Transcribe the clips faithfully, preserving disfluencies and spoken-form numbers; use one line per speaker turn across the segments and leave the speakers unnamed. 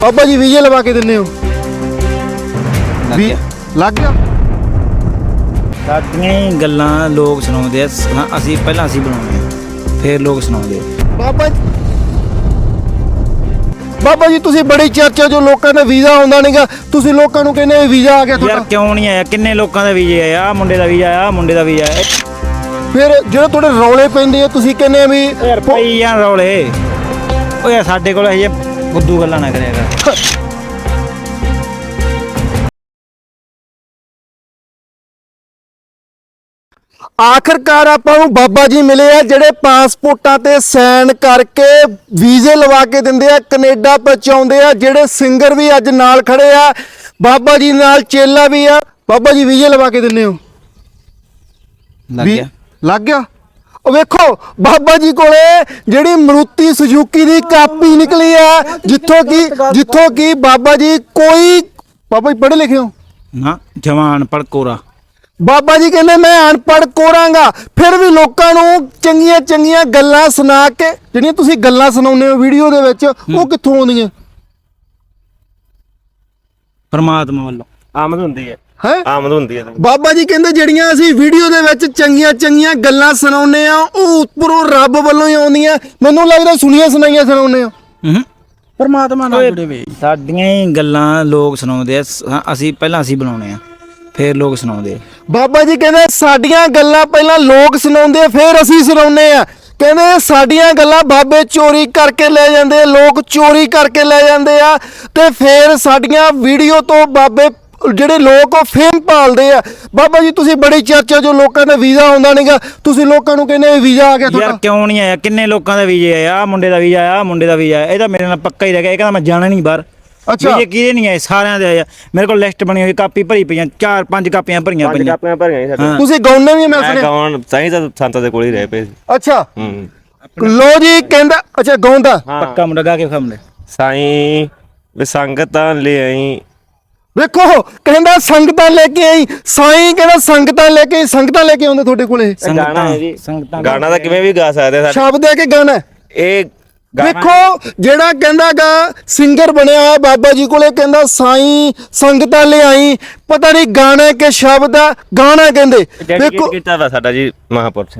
ਬਾਬਾ ਜੀ ਵੀਜ਼ੇ ਲਵਾ ਕੇ ਦਿੰਦੇ ਹੋ? ਵੀ ਲੱਗ ਗਿਆ।
ਸਾਡੀਆਂ ਹੀ ਗੱਲਾਂ ਲੋਕ ਸੁਣਾਉਂਦੇ ਆ, ਹਾਂ ਅਸੀਂ ਪਹਿਲਾਂ ਅਸੀਂ ਬਣਾਉਂਦੇ ਆ ਫਿਰ ਲੋਕ ਸੁਣਾਉਂਦੇ ਆ।
ਬਾਬਾ ਬਾਬਾ ਜੀ ਤੁਸੀਂ ਬੜੀ ਚਰਚਾ ਜੋ ਲੋਕਾਂ ਦਾ ਵੀਜ਼ਾ ਆਉਂਦਾ ਨਹੀਂਗਾ, ਤੁਸੀਂ ਲੋਕਾਂ ਨੂੰ ਕਹਿੰਦੇ ਵੀਜ਼ਾ ਆ ਗਿਆ ਤੁਹਾਡਾ।
ਯਾਰ ਕਿਉਂ ਨਹੀਂ ਆਇਆ? ਕਿੰਨੇ ਲੋਕਾਂ ਦਾ ਵੀਜ਼ਾ ਆਇਆ? ਆ ਮੁੰਡੇ ਦਾ ਵੀਜ਼ਾ ਆਇਆ, ਆ ਮੁੰਡੇ ਦਾ ਵੀਜ਼ਾ ਆਇਆ।
ਫਿਰ ਜਿਹੜੇ ਤੁਹਾਡੇ ਰੌਲੇ ਪੈਂਦੇ ਆ ਤੁਸੀਂ ਕਹਿੰਦੇ ਵੀ
ਯਾਰ ਪਈ ਜਾਂ ਰੌਲੇ। ਓ ਯਾਰ ਸਾਡੇ ਕੋਲ ਇਹ ਬੁੱਧੂ ਗੱਲਾਂ ਨਾ ਕਰਿਆ ਕਰ।
ਆਖਰਕਾਰ ਆਪਾਂ ਨੂੰ ਬਾਬਾ ਜੀ ਮਿਲੇ ਆ ਜਿਹੜੇ ਪਾਸਪੋਰਟਾਂ ਤੇ ਸਾਈਨ ਕਰਕੇ ਵੀਜ਼ੇ ਲਵਾ ਕੇ ਦਿੰਦੇ ਆ, ਕੈਨੇਡਾ ਪਹੁੰਚਾਉਂਦੇ ਆ। ਜਿਹੜੇ ਸਿੰਗਰ ਵੀ ਅੱਜ ਨਾਲ ਖੜੇ ਆ, ਬਾਬਾ ਜੀ ਨਾਲ ਚੇਲਾ ਵੀ ਆ। ਬਾਬਾ ਜੀ ਵੀਜ਼ੇ ਲਵਾ ਕੇ ਦਿੰਦੇ ਹੋ?
ਲੱਗ ਗਿਆ
ਲੱਗ ਗਿਆ। ਉਹ ਵੇਖੋ ਬਾਬਾ ਜੀ ਕੋਲੇ ਜਿਹੜੀ ਮਰੂਤੀ ਸੁਜ਼ੂਕੀ ਦੀ ਕਾਪੀ ਨਿਕਲੀ ਆ, ਜਿੱਥੋਂ ਕੀ ਜਿੱਥੋਂ ਕੀ ਬਾਬਾ ਜੀ ਕੋਈ ਬਾਬਾ ਜੀ ਪੜ੍ਹੇ ਲਿਖੇ ਹੋ
ਨਾ? ਜਵਾਨ ਪੜਕੋਰਾ।
ਬਾਬਾ ਜੀ ਕਹਿੰਦੇ ਮੈਂ ਅਨਪੜ੍ਹ ਕੋਰਾਂਗਾ, ਫਿਰ ਵੀ ਲੋਕਾਂ ਨੂੰ ਚੰਗੀਆਂ ਚੰਗੀਆਂ ਗੱਲਾਂ ਸੁਣਾ ਕੇ ਜਿਹੜੀਆਂ ਤੁਸੀਂ ਗੱਲਾਂ ਸੁਣਾਉਂਦੇ ਹੋ ਵੀਡੀਓ ਦੇ ਵਿੱਚ, ਉਹ ਕਿੱਥੋਂ ਆਉਂਦੀਆਂ?
ਪਰਮਾਤਮਾ ਵੱਲੋਂ
ਆਮਦ ਹੁੰਦੀ ਹੈ
ਹੈ
ਆਮਦ ਹੁੰਦੀ ਹੈ।
ਬਾਬਾ ਜੀ ਕਹਿੰਦੇ ਜਿਹੜੀਆਂ ਅਸੀਂ ਵੀਡੀਓ ਦੇ ਵਿੱਚ ਚੰਗੀਆਂ ਚੰਗੀਆਂ ਗੱਲਾਂ ਸੁਣਾਉਂਦੇ ਆ, ਉਹ ਉੱਪਰੋਂ ਰੱਬ ਵੱਲੋਂ ਹੀ ਆਉਂਦੀਆਂ। ਮੈਨੂੰ ਲੱਗਦਾ ਸੁਣੀਆਂ ਸੁਣਾਈਆਂ ਸੁਣਾਉਂਦੇ ਆ।
ਹੂੰ
ਪਰਮਾਤਮਾ ਨਾਲ ਜੁੜੇ ਵੇ।
ਸਾਡੀਆਂ ਹੀ ਗੱਲਾਂ ਲੋਕ ਸੁਣਾਉਂਦੇ ਆ, ਹਾਂ ਅਸੀਂ ਪਹਿਲਾਂ ਅਸੀਂ ਬਣਾਉਂਦੇ ਆ ਫਿਰ ਲੋਕ ਸੁਣਾਉਂਦੇ ਆ।
ਬਾਬਾ ਜੀ ਕਹਿੰਦੇ ਸਾਡੀਆਂ ਗੱਲਾਂ ਪਹਿਲਾਂ ਲੋਕ ਸੁਣਾਉਂਦੇ, ਫਿਰ ਅਸੀਂ ਸੁਣਾਉਂਦੇ ਆ। ਕਹਿੰਦੇ ਸਾਡੀਆਂ ਗੱਲਾਂ ਬਾਬੇ ਚੋਰੀ ਕਰਕੇ ਲੈ ਜਾਂਦੇ, ਲੋਕ ਚੋਰੀ ਕਰਕੇ ਲੈ ਜਾਂਦੇ ਆ, ਤੇ ਫਿਰ ਸਾਡੀਆਂ ਵੀਡੀਓ ਤੋਂ ਬਾਬੇ ਜਿਹੜੇ ਲੋਕ ਉਹ ਫੇਮ ਭਾਲਦੇ ਆ। ਬਾਬਾ ਜੀ ਤੁਸੀਂ ਬੜੀ ਚਰਚਾ ਜੋ ਲੋਕਾਂ ਦਾ ਵੀਜ਼ਾ ਆਉਂਦਾ ਨਹੀਂਗਾ, ਤੁਸੀਂ ਲੋਕਾਂ ਨੂੰ ਕਹਿੰਦੇ ਵੀਜ਼ਾ ਆ ਗਿਆ
ਯਾਰ
ਤੁਹਾਡਾ।
ਕਿਉਂ ਨਹੀਂ ਆਇਆ? ਕਿੰਨੇ ਲੋਕਾਂ ਦਾ ਵੀਜ਼ਾ ਆਇਆ? ਆ ਮੁੰਡੇ ਦਾ ਵੀਜ਼ਾ ਆਇਆ, ਆ ਮੁੰਡੇ ਦਾ ਵੀਜ਼ਾ ਆਇਆ। ਇਹ ਤਾਂ ਮੇਰੇ ਨਾਲ ਪੱਕਾ ਹੀ ਰਹਿ ਗਿਆ। ਇਹ ਕਹਿੰਦਾ ਮੈਂ ਜਾਣਾ ਨਹੀਂ ਬਾਹਰ।
ਅੱਛਾ
ਵੀਜ਼ੇ ਕਿਹਦੇ ਨਹੀਂ ਆਏ? ਸਾਰਿਆਂ ਦੇ ਆਏ। ਮੇਰੇ ਕੋਲ ਲਿਸਟ ਬਣੀ ਹੋਈ, ਕਾਪੀ ਭਰੀ ਪਈਆਂ, ਚਾਰ ਪੰਜ ਕਾਪੀਆਂ ਭਰੀਆਂ
ਪੰਜ
ਪਈਆਂ।
ਕਾਪੀਆਂ ਭਰੀਆਂ ਸੀ ਸਾਡੇ।
ਤੁਸੀਂ ਗਾਉਂਦੇ ਵੀ ਮੈਂ
ਮੈਂ
ਸੁਣਿਆ।
ਗਾਉਣ ਤਾਂ ਹੀ ਤਾਂ ਸੰਤਾਂ ਦੇ ਕੋਲ ਹੀ ਰਹੇ ਪਏ ਸੀ।
ਅੱਛਾ
ਹੂੰ
ਲੋ ਜੀ ਕਹਿੰਦਾ ਅੱਛਾ ਗਾਉਂਦਾ।
ਪੱਕਾ ਮੁੰਡਾ ਗਾ ਕੇ ਖਾਮਲੇ।
ਸਾਈਂ ਵੇ ਸੰਗਤਾਂ ਲੈ ਆਈ।
ਵੇਖੋ ਕਹਿੰਦਾ ਸੰਗਤਾਂ ਲੈ ਕੇ ਆਈ, ਸਾਈਂ ਕਹਿੰਦਾ ਸੰਗਤਾਂ ਲੈ ਕੇ ਆਈ। ਸੰਗਤਾਂ ਲੈ ਕੇ ਆਉਂਦੇ ਤੁਹਾਡੇ ਕੋਲੇ?
ਗਾਣਾ ਹੈ ਜੀ।
ਸੰਗਤਾਂ
ਗਾਣਾ ਤਾਂ ਕਿਵੇਂ ਵੀ ਗਾ ਸਕਦੇ ਆ।
ਸ਼ਬਦ ਹੈ ਕਿ ਗਾਣਾ ਹੈ?
ਇਹ ਗਾਣਾ
ਵੇਖੋ ਜਿਹੜਾ ਕਹਿੰਦਾਗਾ ਸਿੰਗਰ ਬਣਿਆ ਹੋਇਆ ਬਾਬਾ ਜੀ ਕੋਲੇ, ਕਹਿੰਦਾ ਸਾਈਂ ਸੰਗਤਾਂ ਲਿਆਈ। ਪਤਾ ਨਹੀਂ ਗਾਣਾ ਕਿ ਸ਼ਬਦ ਆ, ਗਾਣਾ ਕਹਿੰਦੇ।
ਡੈਡੀਕੇਟ ਕੀਤਾ ਵਾ ਸਾਡਾ ਜੀ ਮਹਾਂਪੁਰਸ਼।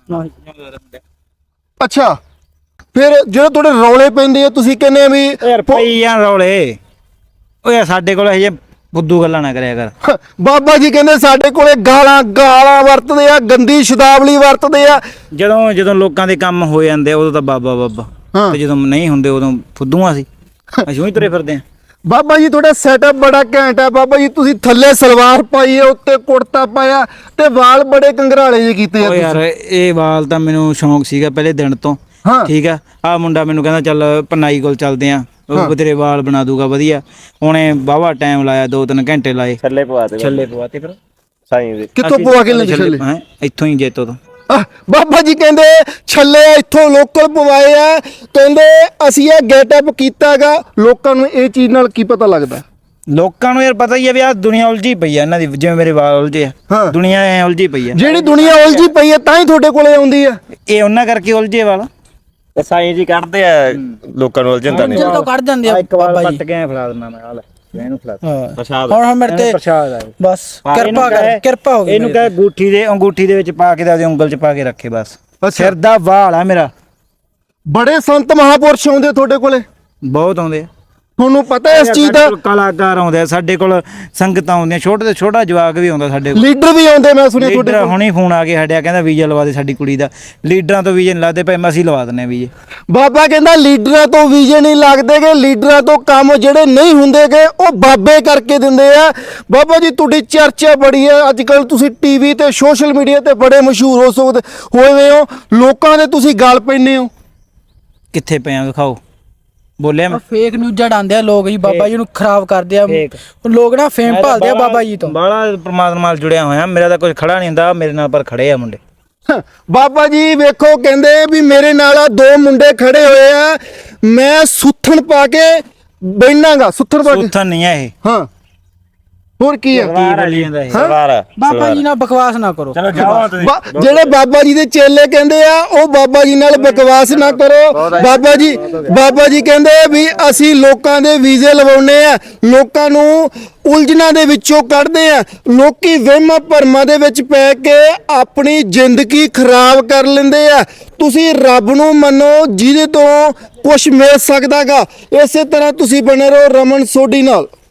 ਅੱਛਾ ਫਿਰ ਜਿਹੜੇ ਤੁਹਾਡੇ ਰੌਲੇ ਪੈਂਦੇ ਆ ਤੁਸੀਂ ਕਹਿੰਦੇ ਵੀ
ਯਾਰ ਪਈ ਜਾਂ ਰੌਲੇ। ਓ ਯਾਰ ਸਾਡੇ ਕੋਲ ਇਹ ਬੁੱਧੂ ਗੱਲਾਂ ਨਾ ਕਰਿਆ ਕਰ।
ਬਾਬਾ ਜੀ ਕਹਿੰਦੇ ਸਾਡੇ ਕੋਲੇ ਗਾਲਾਂ ਗਾਲਾਂ ਵਰਤਦੇ ਆ, ਗੰਦੀ ਸ਼ਬਦਾਵਲੀ ਵਰਤਦੇ ਆ।
ਜਦੋਂ ਜਦੋਂ ਲੋਕਾਂ ਦੇ ਕੰਮ ਹੋ ਜਾਂਦੇ ਉਦੋਂ ਤਾਂ ਬਾਬਾ ਬਾਬਾ, ਤੇ ਜਦੋਂ ਨਹੀਂ ਹੁੰਦੇ ਉਦੋਂ ਫੁੱਦੂਆਂ ਸੀ। ਅਸੀਂ ਉਹੀ ਤੁਰੇ ਫਿਰਦੇ ਆ।
ਬਾਬਾ ਜੀ ਤੁਹਾਡਾ ਸੈਟਅਪ ਬੜਾ ਘੈਂਟ ਆ। ਬਾਬਾ ਜੀ ਤੁਸੀਂ ਥੱਲੇ ਸਲਵਾਰ ਪਾਈ ਹੈ, ਉੱਤੇ ਕੁੜਤਾ ਪਾਇਆ, ਤੇ ਵਾਲ ਬੜੇ ਕੰਗਰਾਲੇ ਜਿਹੇ ਕੀਤੇ ਆ
ਓ
ਤੁਸੀਂ।
ਯਾਰ ਇਹ ਵਾਲ ਤਾਂ ਮੈਨੂੰ ਸ਼ੌਂਕ ਸੀਗਾ ਪਹਿਲੇ ਦਿਨ ਤੋਂ।
ਹਾਂ
ਠੀਕ ਆ। ਆ ਮੁੰਡਾ ਮੈਨੂੰ ਕਹਿੰਦਾ ਚੱਲ ਪਨਾਈ ਕੋਲ ਚੱਲਦੇ ਆ, ਉਹ ਤੇਰੇ ਵਾਲ ਬਣਾ ਦੂਗਾ ਵਧੀਆ। ਉਹਨੇ ਵਾਹਵਾ ਟਾਈਮ ਲਾਇਆ, ਦੋ ਤਿੰਨ ਘੰਟੇ ਲਾਏ,
ਛੱਲੇ ਪਵਾ ਦੇ
ਛੱਲੇ ਪਵਾਤੇ। ਫਿਰ
ਕਿੱਥੋਂ ਪਵਾ ਕੇ ਲੈ ਛੱਲੇ?
ਹੈਂ ਇੱਥੋਂ ਹੀ ਜੇਤੋ ਤੋਂ।
ਆਹ, ਬਾਬਾ ਜੀ ਕਹਿੰਦੇ ਛੱਲੇ ਇੱਥੋਂ ਲੋਕਲ ਪਵਾਏ ਆ। ਕਹਿੰਦੇ ਅਸੀਂ ਇਹ ਗੈਟਅਪ ਕੀਤਾਗਾ। ਲੋਕਾਂ ਨੂੰ ਇਹ ਚੀਜ਼ ਨਾਲ ਕੀ ਪਤਾ ਲੱਗਦਾ?
ਲੋਕਾਂ ਨੂੰ ਯਾਰ ਪਤਾ ਹੀ ਆ ਵੀ ਆ ਦੁਨੀਆ ਉਲਝੀ ਪਈ ਆ ਇਹਨਾਂ ਦੀ, ਜਿਵੇਂ ਮੇਰੇ ਵਾਲ ਉਲਝੇ
ਹਾਂ।
ਆ, ਦੁਨੀਆ ਐ ਉਲਝੀ ਪਈ ਆ।
ਜਿਹੜੀ ਦੁਨੀਆ ਉਲਝੀ ਪਈ ਹੈ ਤਾਂ ਹੀ ਤੁਹਾਡੇ ਕੋਲੇ ਆਉਂਦੀ ਆ।
ਇਹ ਉਹਨਾਂ ਕਰਕੇ ਉਲਝੇ ਵਾਲ।
ਤੇ ਸਾਈਂ ਜੀ ਕੱਢਦੇ ਆ ਲੋਕਾਂ ਨੂੰ ਉਲਝਣਦਾ ਨਹੀਂ।
ਜਦੋਂ ਕੱਢ ਜਾਂਦੇ ਆ
ਇੱਕ ਵਾਲ
ਬਾਬਾ ਜੀ।
ਪੱਟ ਕੇ ਐਂ ਫੜਾ ਦਿੰਦਾ ਮੈਂ। ਆ ਲੈ ਇਹਨੂੰ ਫੜਾ ਦੇ।
ਹਾਂ
ਪ੍ਰਸ਼ਾਦ
ਹੁਣ ਹੁਣ ਮੇਰੇ ਤੇ
ਪ੍ਰਸ਼ਾਦ ਆ ਇਹ।
ਬਸ ਕਿਰਪਾ ਕਰ, ਕਿਰਪਾ ਹੋ ਗਈ।
ਇਹਨੂੰ ਕਹੇ ਅੰਗੂਠੀ ਦੇ ਅੰਗੂਠੀ ਦੇ ਵਿੱਚ ਪਾ ਕੇ ਤੇ ਆਪਦੀ ਉਂਗਲ 'ਚ ਪਾ ਕੇ ਰੱਖੇ ਬਸ।
ਅੱਛਾ।
ਸਿਰ ਦਾ ਵਾਲ ਆ ਮੇਰਾ।
ਬੜੇ ਸੰਤ ਮਹਾਪੁਰਸ਼ ਆਉਂਦੇ ਤੁਹਾਡੇ ਕੋਲੇ,
ਬਹੁਤ ਆਉਂਦੇ ਆ।
ਤੁਹਾਨੂੰ ਪਤਾ ਇਸ ਚੀਜ਼ ਦਾ?
ਸਾਡੇ ਕੋਲ ਕਲਾਕਾਰ ਆਉਂਦੇ ਆ, ਸਾਡੇ ਕੋਲ ਸੰਗਤਾਂ ਆਉਂਦੀਆਂ, ਛੋਟੇ ਤੋਂ ਛੋਟਾ ਜਵਾਕ ਵੀ ਆਉਂਦਾ ਸਾਡੇ ਕੋਲ।
ਲੀਡਰ ਵੀ ਆਉਂਦੇ ਮੈਂ ਸੁਣਿਆ ਤੁਹਾਡੇ
ਲੀਡਰ
ਕੋਲ।
ਹੁਣੀ ਫੋਨ ਆ ਕੇ ਹਟਿਆ, ਕਹਿੰਦਾ ਵੀਜ਼ਾ ਲਵਾ ਦੇ ਸਾਡੀ ਕੁੜੀ ਦਾ। ਲੀਡਰਾਂ ਤੋਂ ਵੀਜ਼ੇ ਨਹੀਂ ਲੱਗਦੇ ਪਏ, ਮੈਂ ਅਸੀਂ ਲਵਾ ਦਿੰਦੇ ਆ ਵੀਜ਼ੇ।
ਬਾਬਾ ਕਹਿੰਦਾ ਲੀਡਰਾਂ ਤੋਂ ਵੀਜ਼ੇ ਨਹੀਂ ਲੱਗਦੇਗੇ, ਲੀਡਰਾਂ ਤੋਂ ਕੰਮ ਜਿਹੜੇ ਨਹੀਂ ਹੁੰਦੇਗੇ ਉਹ ਬਾਬੇ ਕਰਕੇ ਦਿੰਦੇ ਆ। ਬਾਬਾ ਜੀ ਤੁਹਾਡੀ ਚਰਚਾ ਬੜੀ ਹੈ ਅੱਜ ਕੱਲ, ਤੁਸੀਂ ਟੀਵੀ ਤੇ ਸੋਸ਼ਲ ਮੀਡੀਆ ਤੇ ਬੜੇ ਮਸ਼ਹੂਰ ਹੋ ਸਕਦੇ ਹੋਏ ਹੋ। ਲੋਕਾਂ ਦੇ ਤੁਸੀਂ ਗੱਲ ਪੈਂਦੇ ਹੋ।
ਕਿੱਥੇ ਪਏ ਆ ਵਿਖਾਓ। ਬੋਲਿਆ ਮੈਂ?
ਫੇਕ ਨਿਊਜ਼ਾਂ ਡਾਂਦੇ ਆ ਲੋਕ ਜੀ, ਬਾਬਾ ਜੀ ਨੂੰ ਖਰਾਬ ਕਰਦੇ ਆ।
ਫੇਕ।
ਲੋਕ ਨਾ ਫੇਮ ਭਾਲਦੇ ਆ ਬਾਬਾ ਜੀ ਤੋਂ।
ਬਾਲਾ ਪਰਮਾਤਮਾ ਨਾਲ ਜੁੜਿਆ ਹੋਇਆ, ਮੇਰਾ ਤਾਂ ਕੁਝ ਖੜਾ ਨਹੀਂ ਹੁੰਦਾ ਮੇਰੇ ਨਾਲ, ਪਰ ਖੜੇ ਆ ਮੁੰਡੇ।
ਬਾਬਾ ਜੀ ਵੇਖੋ ਕਹਿੰਦੇ ਵੀ ਮੇਰੇ ਨਾਲ ਆ ਦੋ ਮੁੰਡੇ ਖੜੇ ਹੋਏ ਆ, ਮੈਂ ਸੁੱਥਣ ਪਾ ਕੇ ਬੈਠਾਂਗਾ। ਸੁੱਥਣ ਪਾ ਕੇ?
ਸੁੱਥਣ ਨਹੀਂ ਆ ਇਹ,
ਹਾਂ ਹੋਰ ਕੀ ਆ
ਕੀ ਬੋਲੀ ਜਾਂਦਾ ਇਹ
ਸਵਾਰ
ਬਾਬਾ ਜੀ ਨਾਲ ਬਕਵਾਸ ਨਾ ਕਰੋ।
ਚਲੋ ਜਾਓ ਤੁਸੀਂ
ਬਾ- ਜਿਹੜੇ ਬਾਬਾ ਜੀ ਦੇ ਚੇਲੇ ਕਹਿੰਦੇ ਆ ਉਹ ਬਾਬਾ ਜੀ ਨਾਲ ਬਕਵਾਸ ਨਾ ਕਰੋ। ਬਾਬਾ ਜੀ ਬਾਬਾ ਜੀ ਕਹਿੰਦੇ ਵੀ ਅਸੀਂ ਲੋਕਾਂ ਦੇ ਵੀਜ਼ੇ ਲਵਾਉਣੇ ਆ, ਲੋਕਾਂ ਨੂੰ ਉਲਝਣਾਂ ਦੇ ਵਿੱਚੋਂ ਕੱਢਦੇ ਆ। ਲੋਕੀ ਵਹਿਮਾਂ ਭਰਮਾਂ ਦੇ ਵਿੱਚ ਪੈ ਕੇ ਆਪਣੀ ਜ਼ਿੰਦਗੀ ਖਰਾਬ ਕਰ ਲੈਂਦੇ ਆ। ਤੁਸੀਂ ਰੱਬ ਨੂੰ ਮੰਨੋ ਜਿਹਦੇ ਤੋਂ ਕੁਝ ਮਿਲ ਸਕਦਾਗਾ। ਇਸੇ ਤਰ੍ਹਾਂ ਤੁਸੀਂ ਬਣੇ ਰਹੋ ਰਮਨ ਸੋਢੀ ਨਾਲ।